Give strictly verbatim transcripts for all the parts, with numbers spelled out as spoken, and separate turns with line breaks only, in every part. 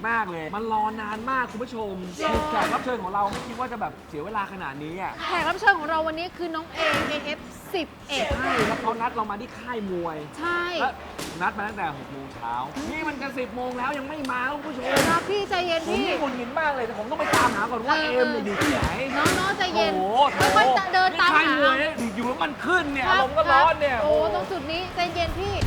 มากเลยมันรอนานมากคุณผู้ชมแขกรับเชิญของเราไม่คิดว่าจะแบบเสียเวลาขนาดนี้อ่ะ
แขกรับเชิญของเราวันนี้คือน้องเอ เอ เอฟ สิบเอ็ด
ใช่แล้วเขานัดเรามาที่ค่ายมวย
ใช่
แล้วนัดมาตั้งแต่หกโมงเช้านี่มันกันสิบโมงแล้วยังไม่มาคุณผู้ชม
นะพี่ใจเย็น
ผม
พี่
นี่หงุดหงิดมากเลยแต่ผมต้องไปตามหาก่อนว่าเอมเนี่ยอยู่ที่ไหน
น้องน้องใจเย็น
โอ้โห
ค่อยๆเดินตามหา
ค่ายมวยเนี่ยอยู่แล้วมันขึ้นเนี่ยอารมณ์ก็ร้อนเนี่ย
โอ้ตรงจุดนี้ใจเย็นพี่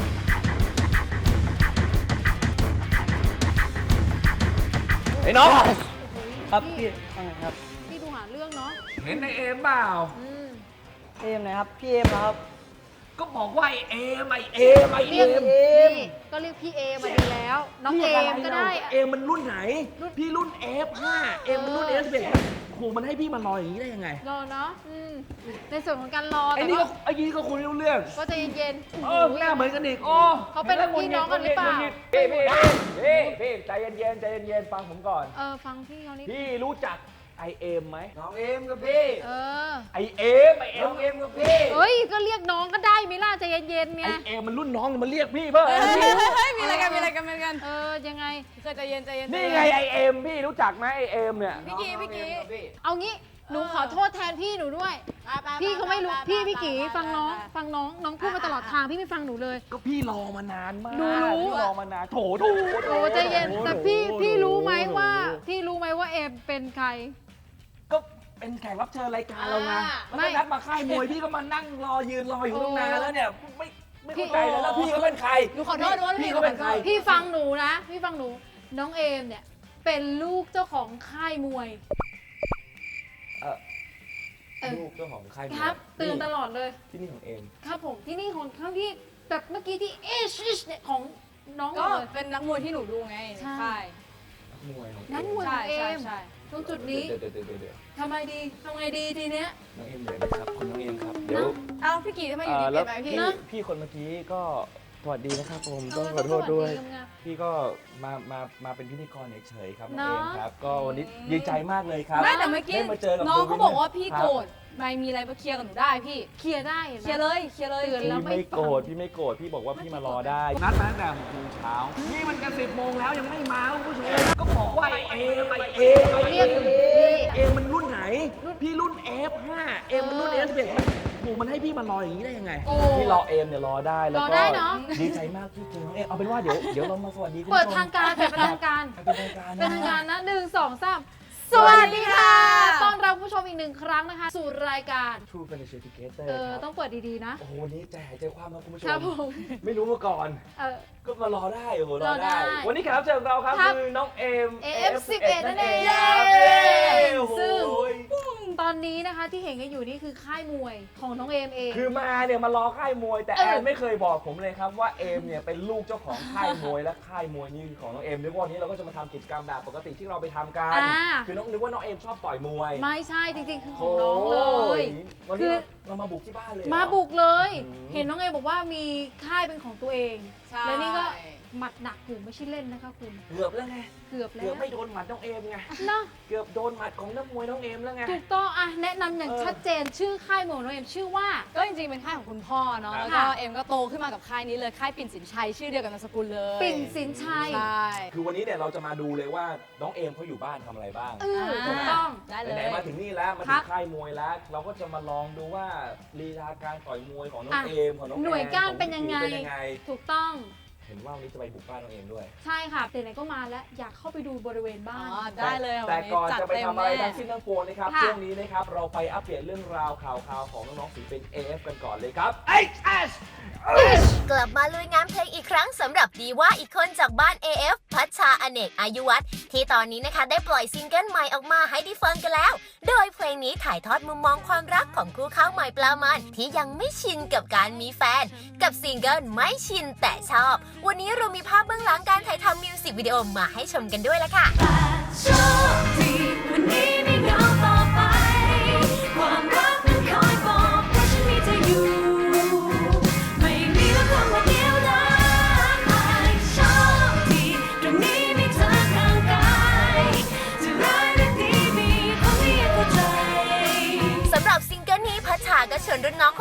ไอ้น้อง
ครับพี่ว่าไงครับ
พี่ดูหาเรื่องเนาะ
เห็นในเอมเปล่า
อืม
เอมไหนครับพี่เอมเหรอครับ
ก็บอกว่าไอเอมไอเอมไอเอ
เรียก
ม
พี่ก็เรียกพี่เอมาดีแล้ว น้องเอมก็ได้
เอมมันรุ่นไหน พี่รุ่น เอฟ ห้า เอมมันรุ่น เอฟ สิบเอ็ด โหมันให้พี่มารออย่างนี้ได้ยังไง
รอเนาะอืมในส่วนของการรอ
ไอ้
แต่
นี่
ก็
ก็ไอ้นี่ก็คุยไม่รู้เรื่อง
ก็ใจเย็นๆ
เออหน้าเหมือนกันอีกโอ้
เขาเป็นพี่น้องกันหรือเปล่า
พี่พี่พี่พี่ใจเย็นๆใจเย็นๆฟังผมก่อน
เออฟังพี่เขานี่
พี่รู้จักไอเอมไหมน้องเอมกับพี่
เออ
ไอเอมไอเอมเอมกับพี่
เฮ้ยก็เรียกน้องก็ได้มิล่าใจเย็นๆไง
ไอเอมมันรุ่นน้องมันเรียกพี่เพิ่ม
เฮ้ยมีอะไรกันมีอะไรกันมีอะไรกัน
เออยังไง
เคยใจเย็นใจเย็น
นี่ไงไอเอมพี่รู้จักไหมไอเอมเนี่ย
พี่กีพี่กี
เอางี้หนูขอโทษแทนพี่หนูด้วย พี่เขาไม่รู้พี่พี่กีฟังน้องฟังน้องน้องพูดมาตลอดทางพี่ไม่ฟังหนูเลย
ก็พี่รอมานานมาก
หนูรู้
พี่รอมานานโถโถ
โอ้ใจเย็นแต่พี่
โถ
พี่รู้ไหมว่า
โถ
พี่รู้ไหมว่าเอมเป็นใคร
ก็เป็นแขกรับเชิญรายการเราไงแล้ว
ไม่
ก็นัดมาค่ายมวยพี่ก็มานั่งรอยืนรออยู่ตั้งนานแล้วเนี่ยไม่ไม่
พี่
เข้าใจเลยแล้วพี่ก็เป็นใคร
หนูขอโทษด้วย
พี่ก็เป็นใคร
พี่ฟังหนูนะ พี่ฟังหนูน้องเอมเนี่ยเป็นลูกเจ้าของค่ายมวย
เออ
เออ
ลูกเจ้าของค่ายมวย
ครับตื่นตลอดเลย
ที่นี่ของเอม
ครับผมที่นี่ของทั้งที่แบบเมื่อกี้ที่เอชเนี่ยของน้อง
ก็
เลย
เป็นนักมวยที่หนูดูไง
ใช่
ใช่
มวยของ
นั้นมวยข
ใช่
องเอ
ใช่
ม
ใช่
ตรงจุดนี้
เดี๋ยวเดี๋ยวเดี๋ยวเดี๋ยว
ทำไมดีทำไงดีทีเนี้ย
น้องเอมเดี๋ยวนะครับคุณน้องเอมครับเดี๋ยว
เอ้าพี่กีทำไมอยู่ดีเปลี่ยนไปพี่
พี่พี่คนเมื่อกี้ก็สวัสดีนะครับผมต้องขอโทษด้วย
เออต้องสวัสดีงาม
พี่ก็มามามาเป็นพิธีกรเฉยๆครับน้อง
เนาะ
เอมครับก็วันนี้ดีใจมากเลยครับ
ไม่แต่เมื่อกี้
ได้มาเจอกับ
น้องเขาบอกว่าพี่
ครับ
โกรธไม่มีอะไรมาเคลียร์กับหนูได้พี่
เคลียร์ได้ห็นไหม
เคลียร์เลยเคลียร์เลย
เตือน
พี่
แล้ว
ไม่โกรธพี่ไม่โกรธพี่บอกว่าพี่มารอได้นัดมาตั้งแต่หกโมงเช้านี่มันกันสิบโมงแล้วยังไม่มาคุณผู้ชมก็บอกว่าไอเอมไอเอมไอ
เรี
เอย
ก
ม
พี่
เอมมันรุ่นไหนพี่รุ่น เอฟ ห้า เอมมันรุ่น เอฟ สิบเอ็ด โหมันให้พี่มารออย่างนี้ได้ยังไง
โอ้
พี่รอเอมเนี่ยรอได้แล้ว
รอ
ก็
ได้เนอะ
ดีใจมากที่เจอน้องเอมเอาเป็นว่าเดี๋ยวเดี๋ยวเรามาสวัสดีคุณ
เปิ
ผู้
ด
ชม
ทางการเปิดเป็นทางการ
เป็นทางการ
เป็น
นะ
ทางการนะหนึ่งสองสามสวัสดีค่ะ ต้อนรับผู้ชมอีกหนึ่งครั้งนะคะ สู่รายการ
True Financial Educator
เออ
ครับ
ต้องเปิดดีๆนะ
โอ้โหวันนี้ใจหายใจคว่ำนะคุณผู้ช
ครับ
ม
ผม
ไม่รู้มาก่อน
เออ
ก็มารอได้โอ้โหร
ร
อ
อได้
ได้ วันนี้แขกรับเชิญของเราครับ
ครับ
คือน้องเอม
เอ เอฟ สิบเอ็ด นั่นเอง
ครับโอ้โห
ซึ่ง ตอนนี้นะคะที่เห็นกันอยู่นี่คือค่ายมวยของน้องเอมเอง
คือมาเนี่ยมารอค่ายมวย แต่
เออ
แอมไม่เคยบอกผมเลยครับว่าเอมเนี่ยเป็นลูกเจ้าของค่ายมวยและค่ายมวยนี่คือของน้องเอมนึกว่าวันนี้เราก็จะมาทำกิจกรรมแบบปกติที่เราไปทำกัน
อ่า
คือน้องนึกว่าน้องเอมชอบต่อยมวย
ไม่ใช่จริงๆคือของน้องเลย
วัน
คื
นี้
อ
เรามาบุกที่บ้านเลยเหรอ
มาบุกเลย
อืม
เห็นน้องเอมบอกว่ามีค่ายเป็นของตัวเอง
ใช่
และนี่ก็หมัดหนักอยู่ไม่ใช่เล่นนะคะคุณ
เกือบแล้วไง
เกือบแล้
เกือ
ว
บไม่โดนหมัดน้องเอมไง
เนาะ
เกือบโดนหมัดของนักมวยน้องเอมแล้วไง
ถูกต้องอ่ะแนะนำอย่าง
เออ
ชัดเจนชื่อค่ายมวยของน้องเอมชื่อว่า
ก็จริงๆเป็นค่ายของคุณพ่อเนาะ
ครับ
แล้วก็เอ็มก็โตขึ้นมากับค่ายนี้เลยค่ายปิ่นสินชัยชื่อเดียวกับนามสกุลเลย
ปิ่นสินชัย
ใช่
คือวันนี้เนี่ยเราจะมาดูเลยว่าน้องเอมเขาอยู่บ้านทำอะไรบ้าง
เออถูกต้อง
ได้เลย
ไหนๆมาถึงนี่แล้วมา
ครั
ถึ
บ
งค่ายมวยแล้ว เราก็จะมาลองดูว่าลีลาการต่อยมวยของน้อง
อ่ะ
เอมของน้อง
หน่วย
แอ
ก้าน
ของ
เป็นยังไง
พี่เป็นยังไง
ถูกต้อง
เห็นว่าวันนี้จะไปบุกบ้านน้องเอมด้วย
ใช่ค่ะไหนๆก็มาแล้วอยากเข้าไปดูบริเวณบ้า
อ๋อน ได้เลย
แต่
วันนี้
ก่อน
จัด
จะไป
เต็ม
ทำอะไร
แน่
ทั้งสิ้นทั้งปวงนะครับ
ค่ะ
ช่วงนี้นะครับเราไปอัปเดตเรื่องราวข่าวๆของน้องๆศิลปิน เอ เอฟ กันก่อนเลยครับ เอช เอส
กลับมาลุยงานเพลงอีกครั้งสำหรับดีว่าอีกคนจากบ้าน เอ เอฟ พัชชาอเนกอายุวัฒน์ที่ตอนนี้นะคะได้ปล่อยซิงเกิลใหม่ออกมาให้ได้ฟังกันแล้ว โดยเพลงนี้ถ่ายทอดมุมมองความรักของคู่ข้าวใหม่ปลามันที่ยังไม่ชินกับการมีแฟน กับซิงเกิลไม่ชินแต่ชอบ วันนี้เรามีภาพเบื้องหลังการถ่ายทำมิวสิกวิดีโอมาให้ชมกันด้วยละค่ะ
โชคดีวันนี้ไม่เหงาต่อไป ความรักนั้นคอยบอกว่าฉันมีเธออยู่ ไม่มีแล้วคำว่าเดียวดายโชคดีตรงนี้มีเธอข้างกายจะร้ายหรือดีมีคนที่ยังเข้าใจ
สำหรับซิงเกิลนี้พัชชาก็ชวนรุ่นน้องคนสนิทอย่าง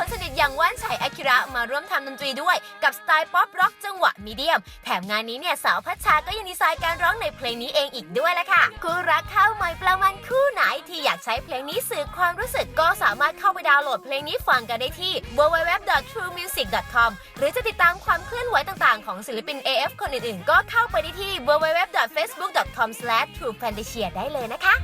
อย่างว่านไฉอากิระมาร่วมทำดนตรีด้วยกับสไตล์ป๊อปร็อกจังหวะมีเดียมแถมงานนี้เนี่ยสาวพัชชาก็ยังดีไซน์การร้องในเพลงนี้เองอีกด้วยละค่ะคู่รักข้าวใหม่ปลามันคู่ไหนที่อยากใช้เพลงนี้สื่อความรู้สึกก็สามารถเข้าไปดาวน์โหลดเพลงนี้ฟังกันได้ที่ ดับเบิลยู ดับเบิลยู ดับเบิลยู ดอท ทรูมิวสิก ดอท คอม หรือจะติดตามความเคลื่อนไหวต่างๆของศิลปิน เอ เอฟ คนอื่นๆก็เข้าไปได้ที่ ดับเบิลยู ดับเบิลยู ดับเบิลยู ดอท เฟซบุ๊ก ดอท คอม สแลช ทรูแฟนตาเชีย ได้เลยนะคะ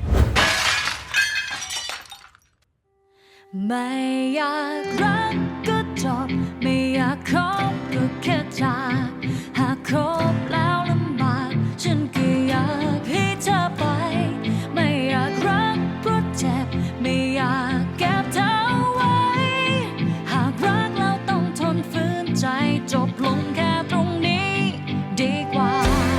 ไม่อยากรักก็จบไม่อยากคบก็แค่จากหากคบแล้วลำบากฉันก็อยากให้เธอไปไม่อยากรักเพราะเจ็บไม่อยากเก็บเธอไว้หากรักแล้วต้องทนฝืนใจจบลงแค่ตรงนี้ดีกว่า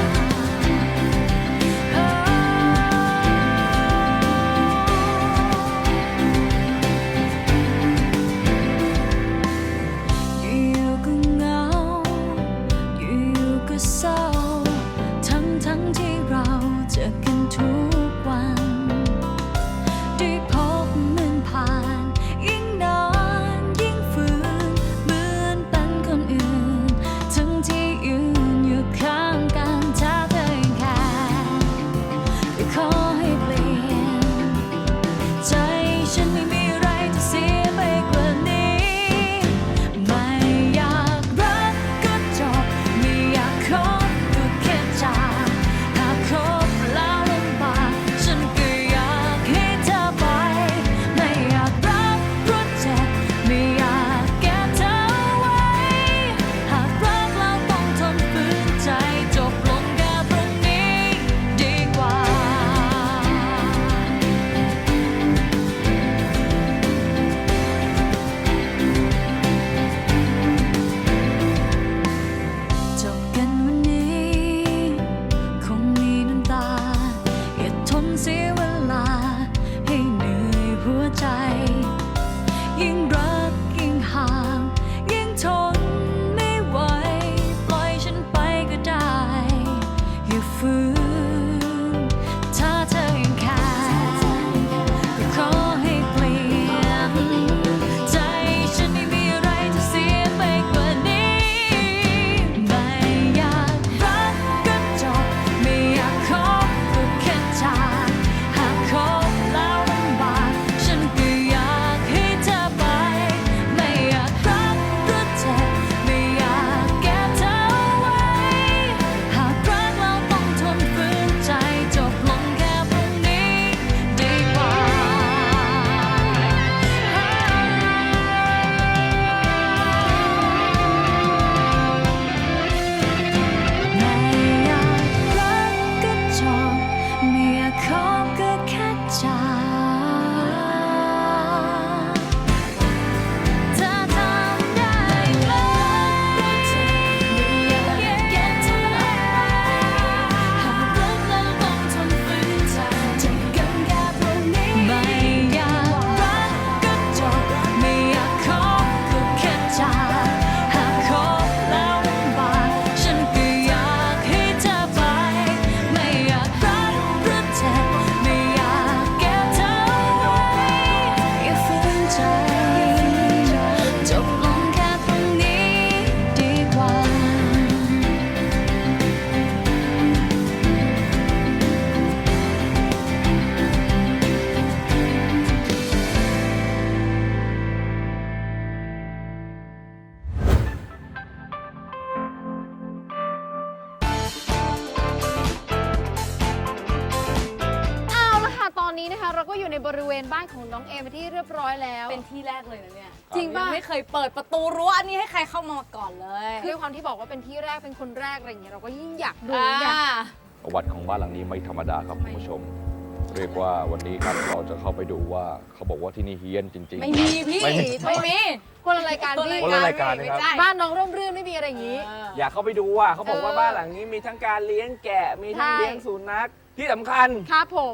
เราก็อยู่ในบริเวณบ้านของน้องเอมที่เรียบร้อยแล้ว
เป็นที่แรกเลยนะเนี่ย
จริงป่ะ
ยังไม่เคยเปิดประตูรั้วอันนี้ให้ใครเข้ามาก่อนเลย
ด้วยความที่บอกว่าเป็นที่แรกเป็นคนแรกอะไรอย่างเงี้ยเราก็ยิ่งอยากดู
อ่า
อยาก
ประวัติของบ้านหลังนี้ไม่ธรรมดาครับคุณผู้ชม เรียกว่าวันนี้ครับเราจะเข้าไปดูว่าเขาบอกว่าที่นี่เฮี้ยนจริงๆ
ไม่มีพี่
ไม่มี
ไม่มี
คนละรายการพี่
คนละรายการนะครับ
ไม่ใช่
บ้านน้องร่มรื่นไม่มีอะไรอย่างงี้
เออ
อยากเข้าไปดูว่าเขาบอกว่าบ้านหลังนี้มีทั้งการเลี้ยงแกะมีทั้ง
ใช่
เลี้ยงสุนัขที่สำคัญ
ครับผม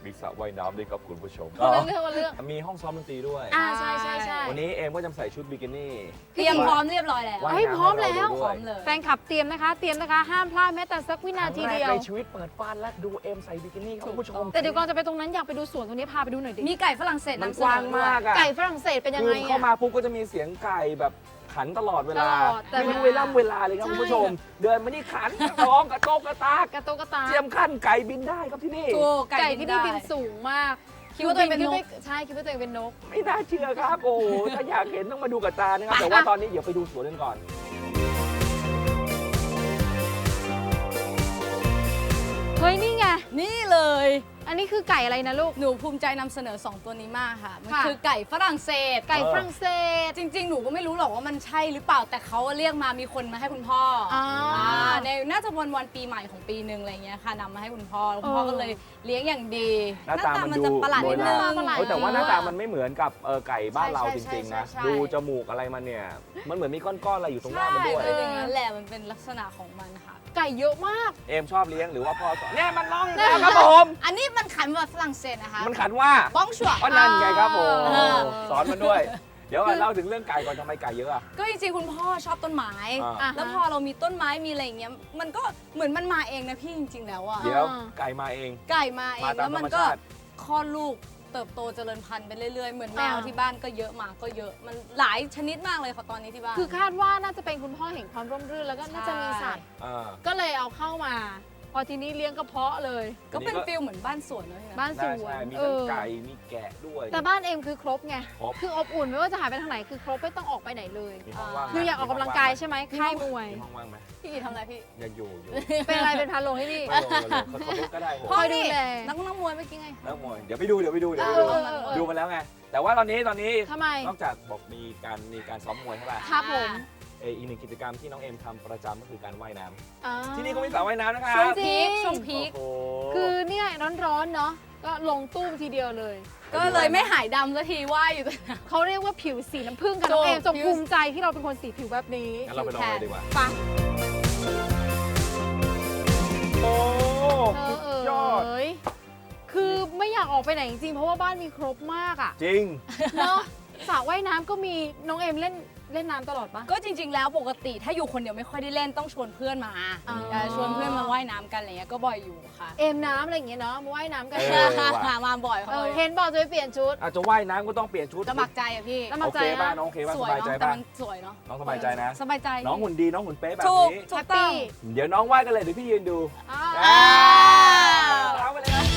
มีสระว่ายน้ำด้วยครับคุณผู้ชม
คนละเรื่องคนละเรื่อง
มีห้องซ้อมดนตรีด้วย
อ่าใช่ใช่ใช่
วันนี้เอมก็จะใส่ชุดบิกินี่
เตรียมพร้อมเรียบร้อยแล้ว
ว่าย
เฮ้ย
น้ำ
พร้อมแล้ว
ให้เราดู
พ
ด้
ร้
ว
อย มเลย
แฟนคลับเตรียมนะคะ เตรียมนะคะ ห้ามพลาดแม้แต่สักวินาทีเดียว
ครั้งแรกในชีวิตเปิดฟ้านและดูเอมใส่บิกินี่ครับคุณผู้ชม
แต่เดี๋ยวก่อนจะไปตรงนั้นอยากไปดูสวนตรงนี้พาไปดูหน่อยดิ
มีไก่ฝรั่งเศส
มัน
นำเส
ก
น
ว้าง
อด้วย
มากอะ
ไก่ฝรั่งเศสเป็นยัง
คื
ไง
อเข้า
อะ
มาปุ๊บก็จะมีเสียงไก่แบบขันตลอดเวลา
ตลอดแต่
ไม่รู้
เว
เว
ลา
ลาเวลาเลยครับ
ใช่
คุณผู้ชม เดินมานี่ขันกระร้องกระโตกกระตาก
กระโตกกระตา
เจียมขั้นไก่บินได้ครับที่นี่
ถูก
ไก่
ไก่
ที่
ที่
นี่
นี่
บิ
บิ
น
น
สูงมาก
คิดว่าตัวเองเป็นนก
ขึ้ใช่คิดว่าตัวเองเป็นนก
ไม่น่าเชื่อครับ โอ้โหถ้าอยากเห็นต้องมาดูกับตานะครับ แต่ว่าตอนนี้เดี๋ยวไปดูสวนกันก่อน
เฮ้ยนี่ไง
นี่เลย
อันนี้คือไก่อะไรนะลูก
หนูภูมิใจนำเสนอ สอง ตัวนี้มากค่ะ มัน
ค่ะ
คือไก่ฝรั่งเศส
ไก่ฝรั่งเศส
จริง ๆ หนูก็ไม่รู้หรอกว่ามันใช่หรือเปล่า แต่เขาเรียกมามีคนมาให้คุณพ่ออา อ่าในน่าจะวันวันปีใหม่ของปีหนึ่งอะไรเงี้ยค่ะนำมาให้คุณพ่อคุณพ่อ
เออ
ก็เลยเลี้ยงอย่างดี
หน้าตามัน
จะ
ดู
ประหลาดนิดนึง
โบราณ
ประหลาด
เฮ้ยแต่ว่าหน้าตามันไม่เหมือนกับเออไก่บ้านเรา
ใช่
จ
ใช่
ริงๆนะ
ใช่ใช่
ดูจมูกอะไรมันเนี่ย มันเหมือนมีก้อนๆอะไรอยู่ตรงหน้า
ใช่
มันด้วย
เป็นอย่างนั้นแหละมันเป็นลักษณะของมันค่ะ
ไก่เยอะมาก
เอมชอบเลี้ยงหรือว่าพ่อสอนเนี่ยมันร้องอีกแล้วครับผม
อันนี้มันขันแบบฝรั่งเศสนะคะ
มันขันว่า
บ้องชัว
ก็นั่นไงครับผม
เออ
สอนมันด้วย เดี๋ยวก่อนเล่าถึงเรื่องไก่ก่อนทำไมไก่เยอะอะ
ก็จริงๆคุณพ่อชอบต้นไม้
อ่า
อ่ะ
แล้วพอเรามีต้นไม้มีอะไรอย่างเงี้ยมันก็เหมือนมันมาเองนะพี่จริงๆแล้วอะ
เดี๋ยวไก่มาเอง
ไก่มาเอง
มาตาม
แล้วมันก็
ธรรมชาติ
คลอดลูกเติบโตเจริญพันธุ์ไปเรื่อยๆ เหมือนแมว
อ่า
ที่บ้านก็เยอะหมาก็เยอะมันหลายชนิดมากเลยค่ะตอนนี้ที่บ้าน
คือคาดว่าน่าจะเป็นคุณพ่อเห็นความร่มรื่นแล้วก็น่าจะมีสัตว์
อ่า
ก็เลยเอาเข้ามา พอทีนี้เลี้ยงกระเพาะเลย
ก็เป็นฟิลเหมือนบ้านสวนนะพี่นะ
บ้านส
ได้
วน
ใช่มี
เอ
ทั้ง
อ
ไก่มีแกะด้วย
แต่บ้านเอ็มคือครบไง
ครบ
คืออบอุ่นไม่ว่าจะหายไปทางไหนคือครบไม่ต้องออกไปไหนเลย
มีห้องว่างไหม
คืออยากออกกำลังกายใช่ไหมค่ายมวย
มีห้องว่างไหม
พี่กีทำอะไรพี่
ยังอยู่อยู่
เป็นอะไรเป็นพาโลให้พี่
ไม่ลงไม่ลงเขาเขาลุกก็ได้ผม
คอยดูแล
นักนักมวยเมื่อกี้ไง
แล้วมวยเดี๋ยวไปดูเดี๋ยวไปดูเดี๋ยว
เอ
ไป
อ
ดู
เออเออ
ดูมาแล้วไง แต่ว่าตอนนี้ตอนนี้
ทำไม
นอกจากบอกมีการมีการซ้อมมวยใช่ป่ะ
ครับผม
เอออีกหนึ่งกิจกรรมที่น้องเอ็มทำประจำก็คือการว่ายน้ำ
อ่า
ที่นี่ก็มีสระว่ายน้ำนะครั
ช่วง
บ
พีค
จริง
ช่วงพีค
โอ้โห
คือเนี่ยร้อนๆเนาะก็ลงตุ้มทีเดียวเลย
ก็เลยไม่หายดำสักทีว่ายอยู่ตรงนั้น
เขาเรียกว่าผิวสีน้ำผึ้งกันน้องเอม
ถู
จ
ก
งภูมิใจที่เราเป็นคนสีผิวแบบนี้
งั้นเราไปลองเลยดีกว่า
ไป
โอ้
เอ
สุ
อ
ด
เอย
อด
เอยคือไม่อยากออกไปไหนจริงๆเพราะว่าบ้านมีครบมากอะ
จริง
เนาะสระว่ายน้ำก็มีน้องเอมเล่นเล่นน้ำตลอดปะ
ก็จริง ๆ แล้วปกติถ้าอยู่คนเดียวไม่ค่อยได้เล่นต้องชวนเพื่อนมา
อ๋อ
เออชวนเพื่อนมาว่ายน้ำกันอะไรเงี้ยก็บ่อยอยู่ค่ะ
เอมน้ำอะไรอย่างเงี้ยเนาะมาว่ายน้ำกัน
เอ
มามาบ่อย
เอ
ค่ะ
อเห็นบอกจะไปเปลี่ยนชุด
อาจจะว่ายน้ำก็ต้องเปลี่ยนชุด
สมัครใจอะพี่
สมัครใจ
โอเคป่ะ
นะ
น้องโอเคป่ะ
ส
ส
วย
บายใจ
เนาะแต่
ป่ะ
มันสวยเนาะ
น้องสบายใจนะ
สบายใจ
น้องหุ่นดีน้องหุ่นเป๊ะแบบ
ถูก
นี้
ถูกต้อง
เดี๋ยวน้องว่ายกันเลยเดี๋ยวพี่ยืนดู
อ่า
อ่าเอาไปเลยนะ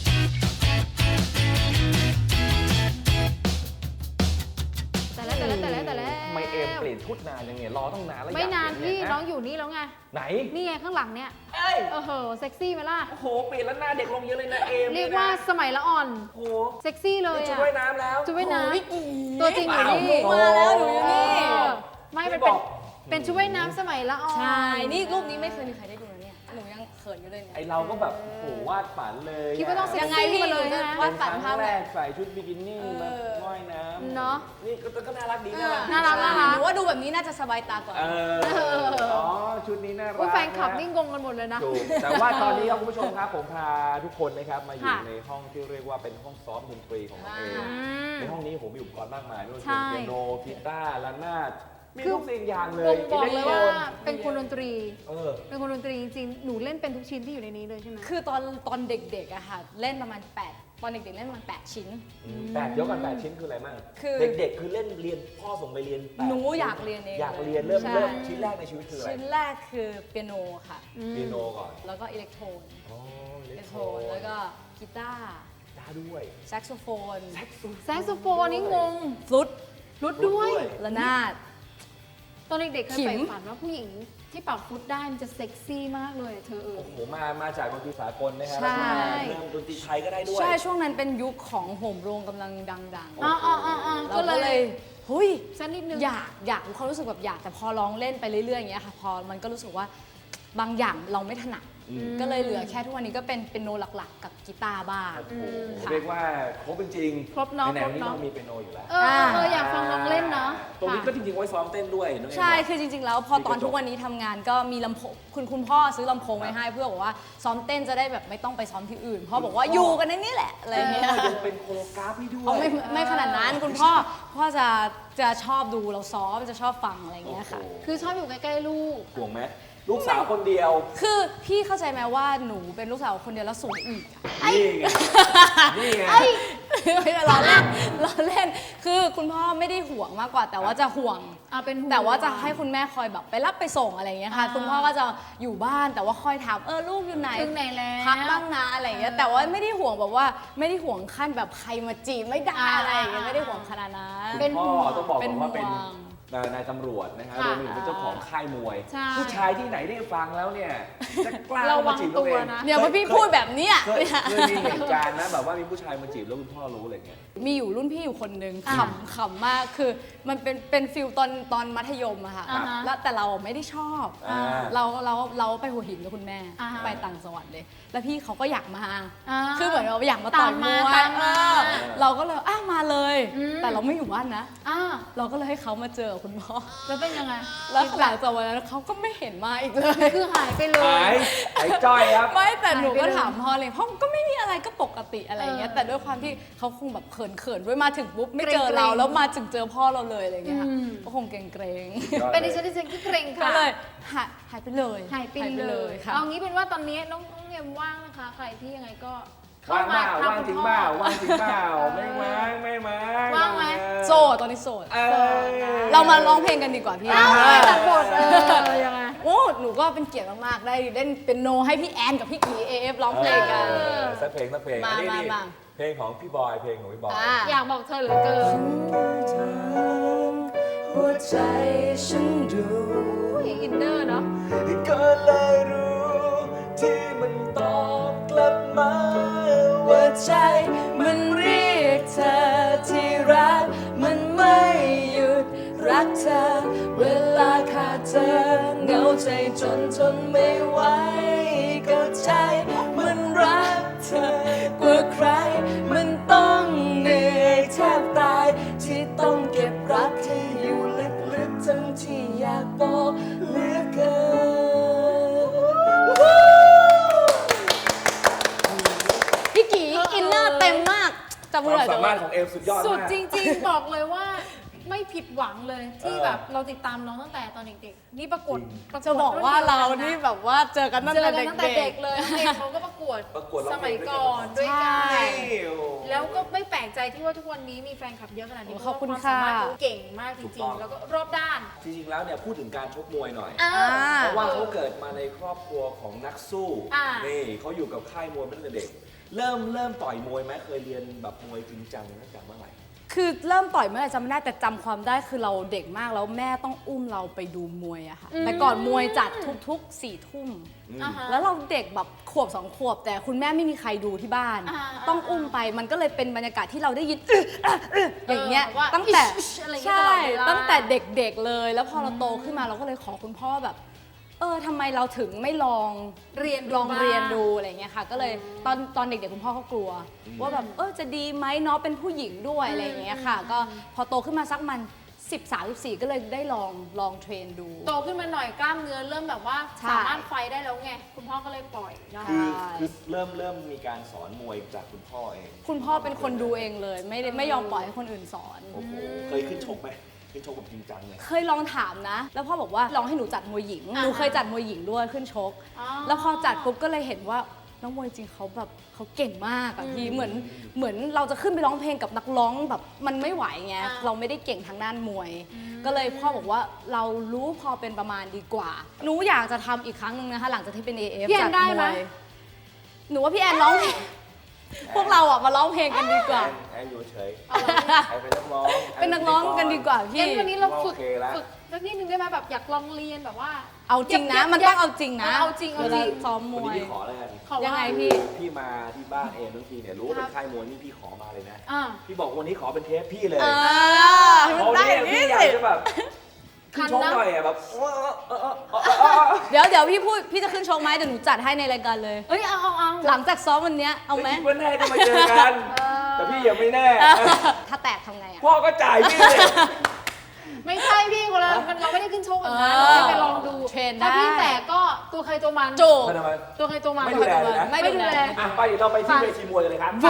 แต่แล้วแต่แล้วแต่แล้วแต่แล้ว
ทำไมเอมเปลี่ยนชุดนานยังไงรอต้องนานแล้ว
ไม่นาน
อยก
พี่
เห็เย
น้องอยู่นี่แล้วไง
ไหน
นี่ไงข้างหลังเนี่ย
เอ้ย
เออเหอะเซ็กซี่ไหมล่ะ
โอ้โหเปลี่ยนแล้วหน้าเด็กลงเยอะเลยนะเอม
เรียกว่าสมัยละอ่อน
โอ้โห
เซ็กซี่เลย
นี่ชุด
อะ
ว่ายน้ำแล้ว
ชุดว่ายน้
โอ้ยอี
ำตัวจริงอยู่นี่
ว้าว
มาแล้วหนูอยู่นี่
เออไม่มัน
บ
เป็น
อก
เป็นชุดว่ายน้ำสมัยละอ่อน
ใช่ นี่รูปนี้ไม่เคยมีใครได้ดูนะเนี่ย หนูยังเขินอยู่เลยเนี่ย
ไอเราก็แบบโอ้โหวาดฝันเลย
คิดว่าต้องเซ็ก
ยังไง
ซี่
พี่
มาเลย
หนูจะ
นะ
วาด
เป็น
ฝัน
ครั้
ภาพ
ง
ไหน
แรกใส่ชุดบิกินี่
เออ
มาว่ายน้ำ
เนอะ
นี่ก็ก็น่ารักดีน่ารัก
น่ารักน่ารัก
หนูว่าดูแบบนี้น่าจะสบายตากว่า
เอออ๋อชุดนี้น่ารัก
อุ๊ยแฟนคลับ
ะ
นี่งงกันหมดเลยนะ
ถูกแต่ว่าตอนนี้ครับคุณผู้ชมครับผมพาทุกคนนะครับมาอยู่
ค่ะ
ในห้องที่เรียกว่าเป็นห้องซ้อมดนตรีของน้องเอม
อืม
ในห้องนี้ผมมีอุปกรณ์มากมายไม่ว่าจะ
ใช่
เป็นเปียโนกีตาร์ระนาดมี
คือ
ทุกสิ่งอย่างเล
บ่
ย
งบอกเลยว่า
อิเล็กโทรน
เป็นคนดนตรี
เออ
เป็นคนดนตรีจริงๆ หนูเล่นเป็นทุกชิ้นที่อยู่ในนี้เลยใช่ไหม
คือตอนตอนเด็กๆอะค่ะ เล่นประมาณแปดตอนเด็กๆเล่นประมาณแปดชิ้น
แปดเดี๋ยวก่อนแปดชิ้นคืออะไรมั่ง
คือ
เด็กๆ คือเล่นเรียนพ่อส่งไปเรียนแปด
หนูอยากเรียนเอง
อยากเรียนเริ่ม
ใช่
เริ่มชิ้นแรกในชีวิตคืออะไร
ชิ้นแรกคือเปียโนค่ะ
อืม
เปียโนก่อน
แล้วก็อิเล็กโทรน
อ๋ออิ
อิ
เล็
เล็
ก
ก
โท
โท
ร
ร
น
นแล้วก็กีตาร์
ได้ด้วย
แซกโซโฟน
แซกโซโฟนนี่งง
ฟลุต
รุดด้วย
ระนาด
ตอนเด็กๆเคย
ขิม
ใฝ่ฝันว่าผู้หญิงที่เป่าฟลุตได้มันจะเซ็กซี่มากเลยเธอเออ
โอ้โหมามาจากดนตรีสากลนะฮะ
ใช่
แล้วก็มาเริ่มดนตรีไทยก็ได้ด้วย
ใช่ ช่วงนั้นเป็นยุคของโหมโรงกำลังดังๆ
อ๋ออ๋ออ๋ออ๋อ
เรา
ก็
ก็
เล
เลย ยเฮ้ย
สักนิดนึง
อยากอยากมีความรู้สึกแบบอยากแต่พอร้องเล่นไปเรื่อยๆอย่างเงี้ยค่ะพอมันก็รู้สึกว่าบางอย่างเราไม่ถนัด
อืม
ก็เลยเหลือแค่ทุกวันนี้ก็เป็นเปียโนหลักๆ กับกีตาร์บ้าง
โอ้โห
ค่ะ
เรียกว่าครบเป็นจริง
ครบเนาะ
ไหน
ครบ
ๆนี่
เนาะ
เรามีเปียโนอยู่แล้ว
เออเอออยากฟังน้องเล่นเนาะ
ตรงนี้ก็
ค่ะ
จริงๆไว้ซ้อมเต้นด้วยน้องเอ็ม
ใช่
บอก
คือจริงๆ แล้วพอตอนทุกวันนี้ทำงานก็มีลำโพงคุณคุณพ่อซื้อลำโพงไว้ให้เพื่อบอกว่าซ้อมเต้นจะได้แบบไม่ต้องไปซ้อมที่อื่นพ่อบอกว่าอยู่กันในนี้แหละอะไรอย่างเงี้ย
ยังเป็นโคโรกราฟให้ด้วย
เอาไม่ไม่ขนาดนั้นคุณพ่อพ่อจะจะชอบดูเราซ้อมจะชอบฟังอะไรอย่างเงี้ยค่ะ
โอ้โห
คือชอบอยู่ใกล้ๆลูก
ห่วงไหมลูกสาวคนเดียว
คือพี่เข้าใจไหมว่าหนูเป็นลูกสาวคนเดียวแล้วสวยอีกอะ
นี่ไงนี่ไง
ไม่ได้ล้อเล่นล้อเล่น คือคุณพ่อไม่ได้ห่วงมากกว่า แต่ว่าจะห่วง
อ่าเป็นห่วง
แต่ว่าจะให้คุณแม่คอยแบบไปรับไปส่งอะไรอย่างเงี้ยค่ะ
อ่า
คุณพ่อก็จะอยู่บ้านแต่ว่าคอยถามเออลูกอยู่ไหน
ถึงไหนแล้ว
พักบ้างนะอะไรอย่างเงี้ย
เออ
แต่ว่าไม่ได้ห่วงแบบว่าไม่ได้ห่วงขั้นแบบใครมาจีบไม่ได้
อ่า
อะไรอย่างเงี้ยไม่ได้ห่วงขนาดนั้น
เป็น
พ่อ
ห่วง
ต้องบอก
เป็น
ก่อนว่าเป็น
ห่วง
นายตำรวจนะฮะ
ค่ะ
รวมถึงเป็นเจ้าของค่ายมวย
ใช่
ผู้ชายที่ไหนได้ฟังแล้วเนี่ยจะกล้า
ระวั
มาง จีบน้องเอ
ตัว
ง
นะ
เนี่ยพอพี่พูดแบบเนี้ย
เคยเคยมีเหตุการณ์นะแบบว่ามีผู้ชายมาจีบแล้วคุณพ่อรู้อะไรเงี้ย
มีอยู่รุ่นพี่อยู่คนหนึ่ง
อ่า
ขำขำมากคือมันเป็นเป็นฟิลตอนตอนมัธยมอะค่ะ
อ่าฮะ
แล้วแต่เราไม่ได้ชอบ
อ่า
เราเราเราไปหัวหินกับคุณแม่
อ่าฮะ
ไปต่างจังหวัดเลย แล้วพี่เขาก็อยากมา
อ่า
คือเหมือนเราอยากมาต่อย
ตาม
ม
มา
วย
ตามมา
เออเราก็เลยอ้าวมาเลย
อืม
แต่เราไม่อยู่บ้านนะ
อ่า
เราก็เลยให้เขามาเจอคุณพ่อ
แล้วเป็นยังไง
แล้วหลังจากวันนั้นเขาก็ไม่เห็นมาอีกเลย
คือหายไปเล
หาย ยหายจ้อยครับ
ไม่แต่หนูก็
หายไปเลย
ถามพ่อเลยพ่อก็ไม่มีอะไรก็ปกติอะไรอย่างเงี้ย
เออ
แต่ด้วยความที่เขาคงแบบเขินๆด้วยมาถึงปุ๊บไม่เจอ
เกรงๆ
เราแล้วมาถึงเจอพ่อเราเลยอะไรอย่างเงี้ยค่ะ
อืม
ก็คงเกรงๆ
เป็นดิฉันดิฉันก็เกรง
ก็
ค่ะ
เลยหายหายไปเลย
หายไปเลย
ค่ะ
เอางี้เป็นว่าตอนนี้น้องน้องเอ็มว่างนะคะ ใครที่ยังไงก็เข้
ว่างเปล่า
ท
ว่างจริงเปล่าว่างจริงเปล่า
เออ
ไม่ว่างไม่ว่าง
ว่างไหม
โสดตอนนี้โสด
เออ
เรามาร้องเพลงกันดีกว่าพี่
อ้าวไม่ตัดบทเออยังไง
โอ้หนูก็เป็นเกียรติมากๆได้เล่นเป็นโนให้พี่แอนกับพี่กีเอฟร้องเพลงกัน
เออสักเพลงสักเพลง
มา
อันนี้
มา
นี่
มา
เพลงของพี่บอยเพลงของพี่บอย
อ่า
อยากบอกเธอเหลือเกิน
หัวใจฉันดู
อุ้ยอินเนอร์เนาะ
ก็เลยรู้ที่มันตอบกลับมา
ว่าใจมันเรียกเธอที่รักมันไม่หยุดรักเธอ เวลาขาดเธอเหงาใจจนทนไม่ไหวก็ใจมันรักเธอกว่าใคร มันต้องเหนื่อยแทบตาย ที่ต้องเก็บรักที่อยู่ลึกๆทั้งที่อยากบอกเหลือเกิน พี่กีอินเนอร์เต็มมากจำ
ค
ไม่
วาม
ได้
สามารถของเอมสุดยอด
สุด
มาก
จริงๆ บอกเลยว่าไม่ผิดหวังเลยที่
เออ
แบบเราติดตามน้องตั้งแต่ตอนเด็กๆ นี่ประกวด
จริง
ประวด
จะบอกว่าเรานี่
รุ่
แบบว่าเจอกันตั้ง
เจอ
แต่
กันตั้งแต่
เด็
เด็
ก
กเลยน้องเองเขาก็ประกวด
ประกวดร้
ส
องเพล
มั
ง
ย
ด้วยกัน
ก่อนด้วยกัน
ใช่
แล้วก็ไม่แปลกใจที่ว่าทุกวันนี้มีแฟนคลับเยอะขนาดนี้
ขอบคุณ
เพราว่าความสามารถ
ค่ะ
เขาเก่งมากจ
ถูก
ริ
ต้
ง
อง
ๆ แล้วก็รอบด้าน
จริงๆแล้วเนี่ยพูดถึงการชกมวยหน่อย
อ่า
เพราะว่าเขาเกิดมาในครอบครัวของนักสู้
อ่านี่
นี่เขาอยู่กับค่ายมวยมาตั้งแต่เด็ก เริ่มเริ่มต่อยมวยไหมเคยเรียนแบบมวยจริงจังตั้งแต่เมื่อไหร่
คือเริ่มต่อยเมื่อไหร่จำไม่ได้แต่จำความได้คือเราเด็กมากแล้วแม่ต้องอุ้มเราไปดูมวยอะค่ะ
อืม
แต่ก่อนมวยจัดทุกๆสี่ทุ่ม
อ่าฮะ
แล้วเราเด็กแบบขวบสองขวบ แต่คุณแม่ไม่มีใครดูที่บ้าน
อ่า
ต้องอุ้มไปมันก็เลยเป็นบรรยากาศที่เราได้ยิน อึ๊ะอ่ะอึ๊ะอย่างเงี้ย
เออว่า
ตั้งแต่
อิ๊ชอะไรอย่างเงี้ย
ใช่
ตลอดเวลา
ตั้งแต่เด็กๆเลย แล้วพอเราโตขึ้นมาเราก็เลยขอคุณพ่อแบบ เออทำไมเราถึงไม่ลอง
เรียน
ลอง
บ้า
เรียนดูอะไรเงี้ยค่ะ ก็เลยตอนตอนเด็กๆคุณพ่อเขากลัว ว่าแบบเออจะดีไหมเนาะเป็นผู้หญิงด้วยอะไรอย่างเงี้ยค่ะ ก็พอโตขึ้นมาสักมันสิบสามสิบสี่ก็เลยได้ลองลองเทรนดู
โตขึ้นมาหน่อยกล้ามเนื้อเริ่มแบบว่า
ใช่
สามารถไฟได้แล้วไง คุณพ่อก็เลยปล่อยเนาะ
คือ
ใช่
คือเริ่มเริ่มมีการสอนมวยจากคุณพ่อเอง
คุณพ่อเป็นคนดูเองเลย ไม่ได้ไม่ยอมปล่อยให้คนอื่นสอน
โอ้โหเคยขึ้นชกไหมขึ้นชกแบบจริงจังเลย
เคยลองถามนะ แล้วพ่อบอกว่าลองให้หนูจัดมวยหญิง
อ่า
หนูเคยจัดมวยหญิงด้วยขึ้นชก
อ๋อ
แล้วพอจัดปุ๊บก็เลยเห็นว่าน้องมวยจริงเขาแบบเขาเก่งมากอะพี่เหมือนเหมือนเราจะขึ้นไปร้องเพลงกับนักร้องแบบมันไม่ไหวไง
อ่า
เราไม่ได้เก่งทางด้านมวย ก็เลยพ่อบอกว่าเรารู้พอเป็นประมาณดีกว่า หนูอยากจะทำอีกครั้งหนึงนะคะหลังจากที่เป็น เอ เอฟ
พี่แอ
จั
น
ด
ได้
ม
ไหม
วยหนูว่าพี่แอนร้องเพลงพวกเราอะมาร้องเพลงกันดีกว่า
แอนแอนอยู่เฉย
เอาละ
แอนเป็นนักร้อง
เป็นนักร้องกันดีกว่า
งั้
พี่
นวันนี้เราฝึก
โอเคละ
ฝึกสักนิดนึงได้ไหมแบบอยากลองเรียนแบบว่า
เอาจริงนะ
ยับยับ
มันต้องเอาจริงนะ
เอาจริงเอาจริง
วลซ้อมม
วัน
ว
นี้
ย
พี่ขอแล้วกัน
ขอว่า
ยังไงพี่
พี่มาที่บ้านเอมทั้งทีเนี่ยรู้ว่าเป็นค่ายมวยนี่พี่ขอมาเลยนะ
อ่า
พี่บอกวันนี้ขอเป็นเทปพี่เลย
เออ
เพราะ
ได้
เนี่ย
อย่าง
พี่
นี้
อยาก
สิ
จะแบบขึ้นชกหน่อยอ่ะแบบเออเออเออเออเออ
เดี๋ยวเดี๋ยวพี่พูดพี่จะขึ้นชกไหมเดี๋ยวหนูจัดให้ในรายการเลย
เอ้ยเอาเอาเอา
หลังจากซ้อมวันเนี้ยเอาไหม
คิดว่าแน่จะมาเจอกัน แต่พี่ยังไม่แน่
ถ้าแตกทำไงอะ
พ่อก็จ่ายพี่เลย
ไม่ใช่พี่คนละมันเราไม่ได้ขึ้นโชว์แบบนั้น
เออ
เราไปลองดู
เทรนได้
ถ้าพี่แตกก็ตัวใครตัวมัน
จูบ
ไม่ทำไม
ตัวใครตัวมัน
ไม่ดูแลเลยนะ
ไม่ดูแล
อ่ะไปเดี๋ยวเราไปที่เวทีมวยกันเลยครับ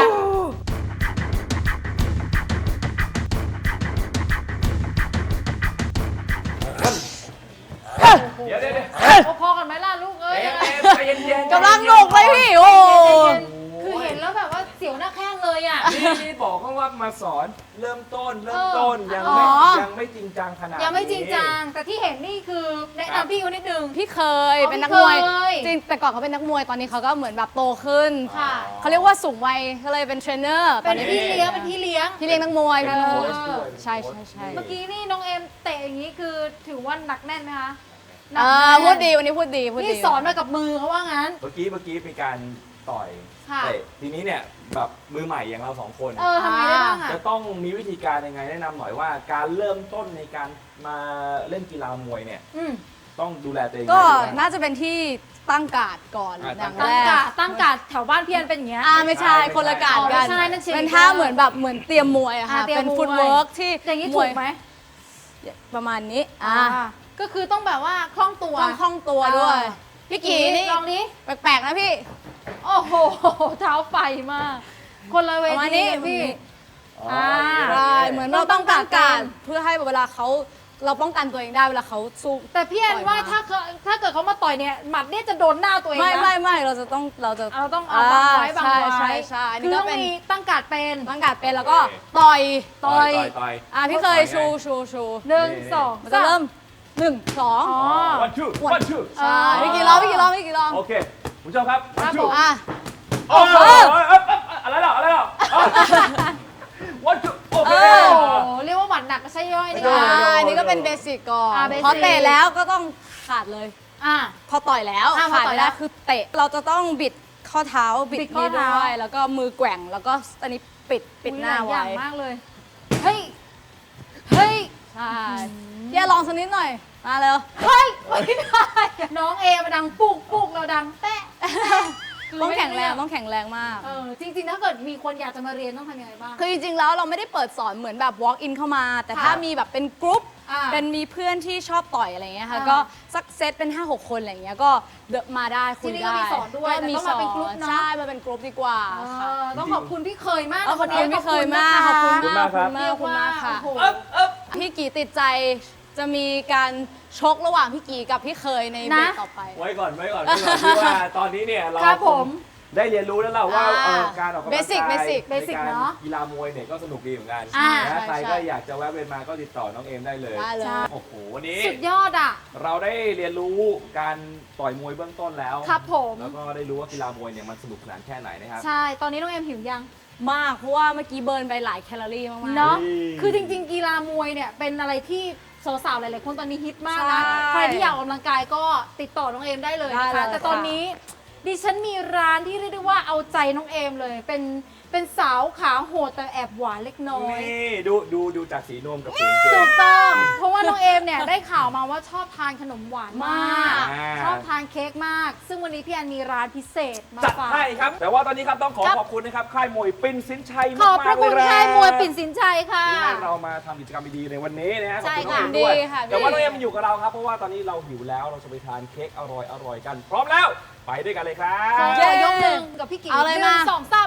เดี๋ยวเดี๋ยวเดี๋ยว
เอาพอกันไหมล่ะลูกเอ้ยยังไง
ใจเย็นใจเย็นๆ
กำลังหนุกเลยพี่โอ้
คือเห็นแล้วแบบว่าเสียวหน้าแข้งเลยอ่ะ
นี่นี่บอกเขาว่ามาสอนเริ่มต้นเริ่มต้นยัง
อ๋
ไม่
อ
ยังไม่จริงจังขนาดนี้
ยังไม่จริงจังแต่ที่เห็นนี่คือแนะนำพี่เขานิดนึง
พี่เคย
อ๋อ
เป็นนักมวย
พี่เคย
จริงแต่ก่อนเขาเป็นนักมวยตอนนี้เขาก็เหมือนแบบโตขึ้น
ค่ะ
เขาเรียกว่าสูงวัยก็เลยเป็นเทรนเนอร์ต
เป็
อน
น
นี้
พี่เลี้ยงเป็นพี่เลี้ยง
พี่เลี้ยงนักมวย
เป็
เป็น นนัก
โค้
มวย
ชด้วย
ใช่ใช่ใช่
เมื่อกี้นี่น้องเอ็มเตะอย่างนี้คือถือว่าหนักแน่นไหมคะหนั
เอก อ
แน่น
พูดดีวันนี้พูดดีพูดดี
นี่สอนมากับมือเขาว่างั้น
เมื่อกี้เมื่อกี้มีการต่อย
ค่ะ
เตะทีนี้เนี่ยแบบมือใหม่อย่างเราสองคน
เออทำไงได้บ้างอ่ะ
จะต้องมีวิธีการยังไงแนะนำหน่อยว่า การเริ่มต้นในการมาเล่นกีฬามวยเนี่ย
อืม
ต้องดูแลตัวเอง
ก็
ยังไงบ้าง
น่าจะเป็นที่ตั้งการ์ดก่อน
อ่ะ
อย่าง
ตั้
แรง
กาก ดตั้งการดแถวบ้านพี่อันเป็นอย่างเงี้ย
อ่าไม่ใช่
ไม่ใช่
คนละการ์ดกัน
อ๋อไม่ใช่นั่น cheerleader
เป็นท่าเหมือนแบบเหมือนเตรียมมวยอะค่ะ
อ่าเตรียม
เป็น
มวย
ฟุตเวิร์กที่
อย่างนี้
ม
ถู
วย
กไหม
ประมาณนี้อ่า
อ่าก็คือต้องแบบว่าคล่องตัว
ต้องคล่องตัวด้วย
อ่า
พี่กีนี่
ลองนี้
แปลกๆนะพี่
โอ้โหเท้าไฟมาก คนละเว
ประมาณ
ที
นี้
กับพี่
อ๋อ
อ่า
ใช่เหมือนเราต้องตั้งการ์ด
ต้องตั้งการ์ด
เพื่อให้เวลาเขาเราป้องกันตัวเองได้เวลาเขาสู้
แต่พี่แอน
ต่อย
ว่า
มา
ถ้าเขาถ้าเกิดเขามาต่อยเนี่ยหมัดเนี่ยจะโดนหน้าตัวเอง
ไม่
นะ
ไม่ไม่เราจะต้องเราจะ
เราต้องเอาบังไว้บัง
ใช่
ไว้
ใช่ใช่อัน
คื
นี้
อ
ก็
ต้อง
เป็น
มีตั้งการดเป็น
ตั้งการ์ดเป็นแล้วก็ต่อย
ต่อยต่อยต่อย
อ่ะพี่เคยชูชูชู
หนึ่งสอง
มันจะเริ่มหนึ่งสอง
อ๋อ
วันชื่อวันชื่อ
ใช่พี่กี่รอบพี่กี่รอบพี่กี่รอบ
โอเคคุณผู้ชมครับ
ครั
วัน
บ
ชื่
ผ
อ
ม
อ่ะ
โอ้โหอะไรหรออะไรหรอวันชื่อโอเค
โอ้โหเรียกว่าหมัดหนักก็ใช่ย่อยนี่
โอ้
ค่ะ
โห
อ่าอันนี้ก็เป็นเบสิกก่อน
อ่า basic
พอเตะแล้วก็ต้องขาดเลย
อ่ะ
พอต่อยแล้ว
อ่าพอ
ขาด
ต่อ
ไม่
ยแล้
ได้
ว
คือเตะเราจะต้องบิดข้อเท้าบิด
บิดข้อ
นี้
เท้า
ด้วยแล้วก็มือแกว่งแล้วก็อันนี้ปิดปิดหน้า
อุ๊ยลยอ
ไว้
ย่างมากเลย เฮ้ย เฮ้ย
ใช่เดี๋ยวลองสักนิดหน่อยมาเร็ว
เฮ้ย ไม่ได้ น้องเอมาดังปุกปุกเราดังแตะ
ต้องแข็งแรงต้องแข็งแรงมาก
เออจริงๆ ถ้าเกิดมีคนอยากจะมาเรียนต้องทำยังไงบ้าง
คือจริงๆ แล้วเราไม่ได้เปิดสอนเหมือนแบบ walk in เข้ามา แต่
ค่ะ
ถ้ามีแบบเป็นกรุ๊ป
อ่า
เป็นมีเพื่อนที่ชอบต่อยอะไรเงี้ยค่ะ
อ่า
ก็สักเซตเป็น ห้าหก คนอะไรเงี้ยก็เดอะมาได้คุย
ที่นี่
ได้
ก็มีสอนด้วยแต่
มี
ต้อง
ส
มา
อ
เป็น
น
กรุ๊ปเนอะ
ใช่มาเป็นกรุ๊ปดีกว่า
เอ
ค่ะ
อต้องขอบคุณพี่เคยมาก
เอาขอบคุณ
วันนี้
พี่เคยมากขอบคุณ
ขอบคุณ
มาก
มาก
ขอบคุณมากขอบคุณมากค่ะ
โอ้โห
เอ๊บเอ๊บ
พี่กีติดใจจะมีการชกระหว่างพี่กีกับพี่เคยในเบร
นะ
กต่อไป
ไว้ก่อนไว้ก่อนไว้ก่อนที่ว่าตอนนี้เนี่ยเรา
ครับผม
ได้เรียนรู้แล้วเราว่า
อ่า
เอ่อการออกกำลังกาย
Basic Basic
ใน
Basic
การ
เนอะ
กีฬามวยเนี่ยก็สนุกดีเหมือนกัน
อ่า
นะ
ใช่
ใคร
ใช่
ก็อยากจะแวะเวียนมาก็ติดต่อน้องเอมได้เลย
ได้เลย
โอ้โหวันนี้
สุดยอดอ่ะ
เราได้เรียนรู้การต่อยมวยเบื้องต้นแล้ว
ครับผม
แล้วก็ได้รู้ว่ากีฬามวยเนี่ยมันสนุกสนานแค่ไหนนะครับ
ใช่ ตอนนี้น้องเอ็มหิวยัง
มากเพราะว่าเมื่อกี้เบิร์นไปหลายแคลอรี่มากๆ
เนาะ
อืม
คือจริงๆ กีฬามวยเนี่ยเป็นอะไรที่สาวๆ หลายๆ คนตอนนี้ฮิตมากนะ
ใช่
ใครที่อยากออกกำลังกายก็ติดต่อน้องเอมได้เลยนะ
ได้
คะ
เลย
แต่ตอนนี้ดิฉันมีร้านที่เรียกได้ว่าเอาใจน้องเอมเลย เป็นเป็นสาวขาโหดแต่แอบหวานเล็กน้อย
นี่ดูดูดูจากสีนวมกับสีกางเก
ถู
ง
กต้อง เพราะว่าน้องเอมเนี่ยได้ข่าวมาว่าชอบทานขนมหวานมาก
อ่า
ชอบทานเค้กมาก ซึ่งวันนี้พี่แอนมีร้านพิเศษมา
จัด
ฝาก
ให้ครับ แต่ว่าตอนนี้ครับต้องขอ
ครับ
ขอบคุณนะครับค่ายมวยปิ่นสินชัย
ขอบพระคุณ
มากๆเล
ค่ายมวยปิ่นสินชัยค่ะ
ที่ให้เรามาทำกิจกรรมดีๆในวันนี้นะฮะขอบคุณน้อง
ใช่
เอ
ค่ะ
มด้วย
ดีค่ะ
แต่ว่า
ดี
น้องเอมอยู่กับเราครับเพราะว่าตอนนี้เราหิวแล้วเราจะไปทานเค้กอร่อยๆกัน พร้อมแล้วไปด้วยกันเลยครับ
ขอยกหนึ่งกับพี่กิ๊ก
เอาเลย
หนึ่ง
มา
สองสาม